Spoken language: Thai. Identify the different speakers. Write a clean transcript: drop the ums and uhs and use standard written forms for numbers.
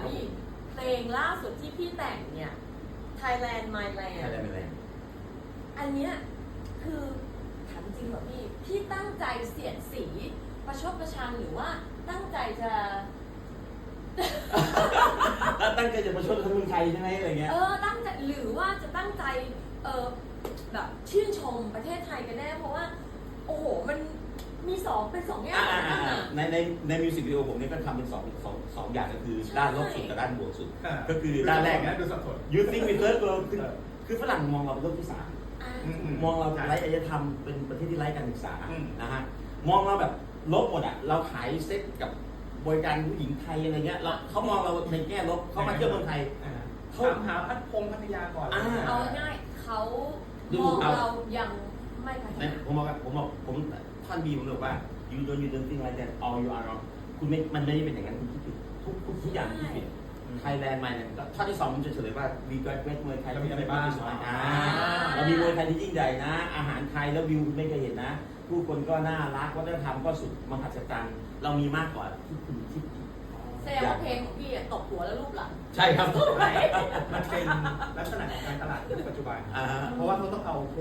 Speaker 1: พี่เพลงล่าสุดที่พี่แต่งเนี่ย Thailand My Land อันเนี้ยคือถามจริงเหรอพี่ตั้งใจเสียดสีประชดประชันหรือว่าตั้งใจจะ
Speaker 2: ตั้งใจจะประชดคนไทยใช่ไหมอะไรเงี้ย
Speaker 1: ตั้งใจหรือว่าจะตั้งใจแบบชื่นชมประเทศไทยกันแน่เพราะว่าโอ้โหมันมีเป็นสองอย่าง
Speaker 2: ในมิวสิกวิดีโอผมเนี่ยก็ทำเป็นสองอย่างก็คือด้านลบสุดกับด้านบวกสุดก็คือด้านแรกนะ You think we third world คือฝรั่งมองเราเป็นโลกที่สามมองเราไร้อารยธรรมเป็นประเทศที่ไร้การศึกษานะฮะมองเราแบบลบหมดอ่ะเราขายเซ็กกับบริการผู้หญิงไทยอะไรเงี้ยเขามองเราในแง่ลบเขามาเที่ยวเมืองไทย
Speaker 3: เขาหาพัทยาก่อน
Speaker 1: เอาง่ายเขามองเรายังไม่พัฒนา
Speaker 2: ผมท่านบีผมบอกว่า you don't think like that all you are wrong คุณไม่มันไม่ได้เป็นอย่างนั้นคุณคิดผิดทุกอย่างคิดผิดไทยแลนด์มาเนี่ยท่อที่สองผมจะเฉลยว่ามีเวทมวยไทย
Speaker 3: เรามีอะไรบ้าง
Speaker 2: เรามีมวยไทยที่ยิ่งใหญ่นะอาหารไทยแล้ววิวคุณไม่เคยเห็นนะผู้คนก็น่ารักวัฒนธรรมก็สุดมหัศจรรย์เรามีมากกว่าที่คุณคิด
Speaker 1: แสดงว่าเพลงของพี่ตกหัวแล้วรูปหลัง
Speaker 2: ใช่ครับ
Speaker 3: มันเป็นลักษณะของการตลาดในปัจจุบันเพราะว่าเขาต้องเอา